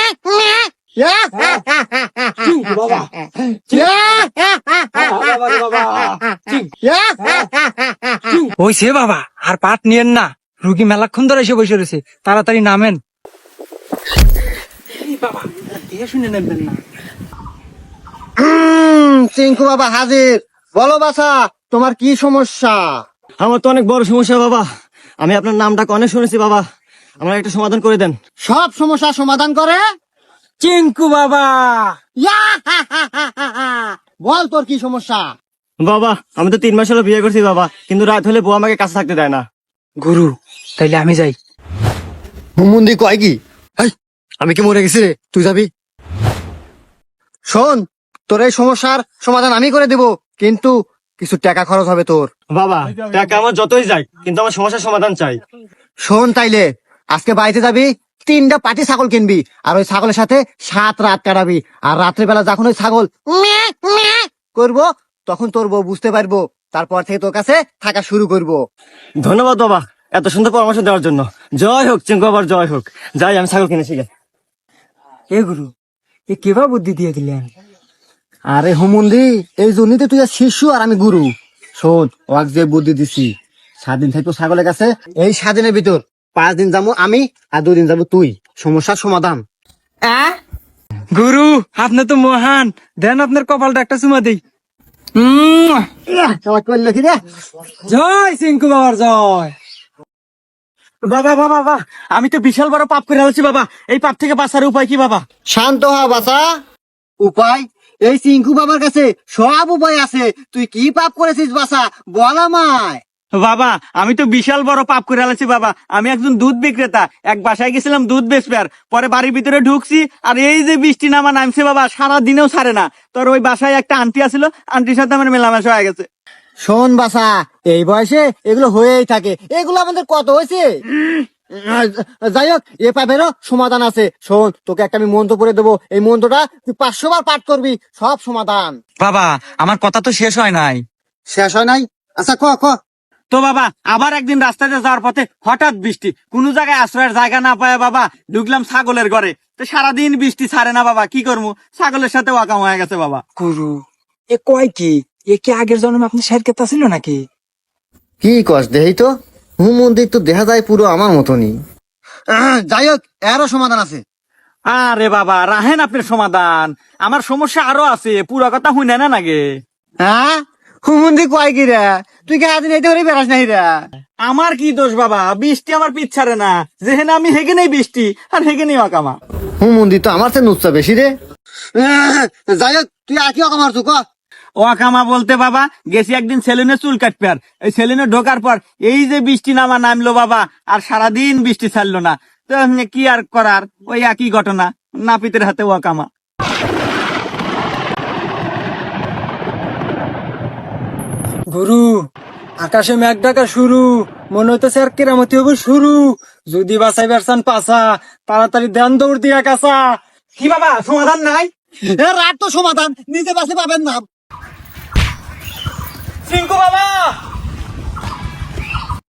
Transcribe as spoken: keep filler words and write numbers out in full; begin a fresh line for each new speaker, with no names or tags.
ওই সে বাবা আর পাট নিয়েন না, রুগী মেলাক্ষণ ধরে এসে বসে রয়েছে, তাড়াতাড়ি নামেন। বাবা দেখে শুনে নেবেন না।
চিঙ্কু বাবা হাজির। বলো বাছা, তোমার কি সমস্যা?
আমার তো অনেক বড় সমস্যা বাবা, আমি আপনার নামটাকে অনেক শুনেছি বাবা, আমার একটা সমাধান করে দেন।
সব সমস্যার সমাধান করে
চিঙ্কু বাবা।
বল তোর কি সমস্যা?
বাবা আমি তো তিন মাস হলো বিয়ে করছি বাবা, কিন্তু রাত হলে বউ আমাকে কাছে থাকতে দেয় না।
গুরু তাইলে আমি যাই।
হুমুন্দি কয় কি? আমি কি মরে গেছি রে? তুই যাবি? শোন, তোর এই সমস্যার সমাধান আমি করে দেব, কিন্তু কিছু টাকা খরচ হবে তোর।
বাবা টাকা আমার যতই যাই, কিন্তু আমার সমস্যার সমাধান চাই।
শোন তাইলে, আজকে বাড়িতে যাবি, তিনটা পাটি ছাগল কিনবি, আর ওই ছাগলের সাথে সাত রাত কাটাবি, আর রাত্রিবেলা যখন ওই ছাগল ম্যাঁ, ম্যাঁ করবো, তখন তোর বউ বুঝতে পারবো, তারপর থেকে তোর কাছে থাকা শুরু করবো।
ধন্যবাদ বাবা এত সুন্দর পরামর্শ দেওয়ার জন্য। জয় হোক চিঙ্কু বাবার, জয় হোক। যাই আমি ছাগল কিনেছি গে।
এ গুরু এ কেবা বুদ্ধি দিয়ে দিলেন?
আরে হুমুন্দি, এই জন্যই তো তুই আর শিশু আর আমি গুরু। শোন, ওয়াক যে বুদ্ধি দিছি, সাত দিন থাকবো ছাগলের কাছে, এই সাত দিনের ভিতর পাঁচ দিন যাবো আমি, আর দুই দিন যাবো তুই। সমস্যার সমাধান।
গুরু আপনি তো মহান, দেন আপনার কপালটা একটা চুমা দিই।
আমার করলো কি রে?
জয় চিঙ্কু বাবার জয়।
বাবা বাবা বাবা আমি তো বিশাল বড় পাপ করে ফেলছি বাবা, এই পাপ থেকে বাঁচার উপায় কি বাবা?
শান্ত হ বাছা। উপায়? এই চিঙ্কু বাবার কাছে সব উপায় আছে। তুই কি পাপ করেছিস বাছা, বল আমায়।
বাবা আমি তো বিশাল বড় পাপ করে ফেলেছি বাবা। আমি একজন দুধ বিক্রেতা, এক বাসায় গেছিলাম দুধ বেচবার, পরে বাড়ির ভিতরে ঢুকছি, আর এই যে বৃষ্টি নামা নামছে বাবা, সারা দিনেও ছাড়ে না। তোর ওই বাসায় একটা আন্টি আছিল, আন্টির সাথে আমার মেলামেশা হয়ে গেছে।
শোন বাছা, এই বয়সে এগুলো হয়েই থাকে, এগুলো আমাদের কত হয়েছে। যাই হোক, এ পাপেরও সমাধান আছে। শোন, তোকে একটা আমি মন্ত্র পড়ে দেবো, এই মন্ত্রটা তুই পাঁচশো বার পাঠ করবি, সব সমাধান।
বাবা আমার কথা তো শেষ হয় নাই।
শেষ হয় নাই? আচ্ছা ক ক।
তো বাবা আবার একদিন রাস্তাতে যাওয়ার পথে হঠাৎ বৃষ্টি, কোন জায়গায় আশ্রয়ের জায়গা না পায় বাবা ঢুকলাম ছাগলের ঘরে। তো সারাদিন বৃষ্টি ছাড়ে না বাবা, কি করবো, ছাগলের সাথে ওয়াকাম হয়ে গেছে বাবা।
গুরু এ কয় কি? এ কি আগের জন্মে আপনি শের কেতা ছিল নাকি?
কি কস দেহি তো, হুম মন্দির তো দেখা যায় পুরো আমার মতনই। যাই হোক, এরও সমাধান আছে।
আরে বাবা রাহেন আপনার সমাধান, আমার সমস্যা আরো আছে, পুরো কথা শুনে না নাগে।
হ্যাঁ, হুমন্দি কয় কি রে? তুই কি আদিন এইতে করে বেড়াস নাই রে?
আমার কি দোষ বাবা, বৃষ্টি আমার পিছ ছাড়ে না, যেখানে আমি হেগে নেই বৃষ্টি, আর হেগে নেই অকামা।
হুমন্দি তো আমার চেয়ে নুচ্ছা বেশি রে। যাই হোক, তুই আর কি অকামার চুক?
ওয়াকামা বলতে বাবা গেছি একদিন সেলুনে চুল কাটবে, আর এই সেলুনে ঢোকার পর এই যে বৃষ্টি নামা নামলো বাবা, আর সারাদিন বৃষ্টি ছাড়লো না। তো কি আর করার, ওই একই ঘটনা, নাপিতের হাতে ওয়াকামা।
গুরু আকাশে মেঘ ডাকা শুরু, মনে হইতেছে আর কেরামতি হবে শুরু। যদি বাঁচাই বেরসান পাসা, তাড়াতাড়ি দেন দৌড় দিয়া কাঁচা।
কি বাবা সমাধান নাই?
রাত তো সমাধান নিজে বাসে পাবেন না।
চিঙ্কু বাবা